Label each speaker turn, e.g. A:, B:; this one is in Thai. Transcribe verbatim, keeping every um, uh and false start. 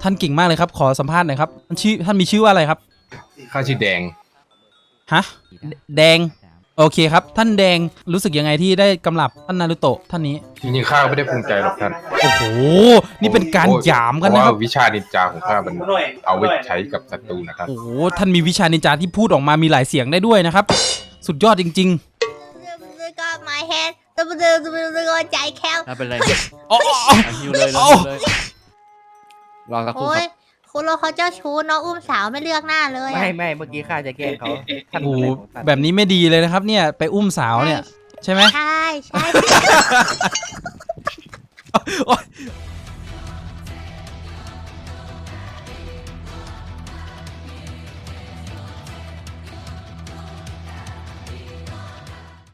A: ท่านเก่งมากเลยครับขอสัมภาษณ์หน่อยครับท่านชื่อท่านมีชื่อว่าอะไรครับ
B: ข้าชื่อแดง
A: ฮะแดงโอเคครับท่านแดงรู้สึกยังไงที่ได้กำลับท่านนารุโตะท่านนี้
B: จริงๆข้าไม่ได้ภูมิใจหรอกท่าน
A: โอ้โหนี่เป็นการหยามกัน
B: เพ
A: นะ
B: ราะ
A: ค
B: ว่า
A: รับ
B: วิชานินจาของข้ามันเอาไว้ใช้กับศัตรูนะครับ
A: โอ้โหท่านมีวิชานินจาที่พูดออกมามีหลายเสียงได้ด้วยนะครับ สุดยอดจริง
C: ก็ my head ตัวตัวตัวใจแคบ
D: ไม่เป็นไร
A: ๆอ๋อ
D: ฮิวเลยเลย
A: โอ้
D: ฮิวเลยรอสักครู่
C: โอ้
D: ค
C: ย
D: รับ
C: คุณโรเขาเจ้าชู้น้องอุ้มสาวไม่เลือกหน้าเลยอะ
E: ไม่ไม่เมื่อกี้ข้าจะแกล้งเขาท่าน
A: โอ้
E: อะ
A: โห
E: ไรของท่าน
A: แบบนี้ไม่ดีเลยนะครับเนี่ยไปอุ้มสาวเนี่ยใช่ไหม
C: ใช่ใช่
A: โอ๊ย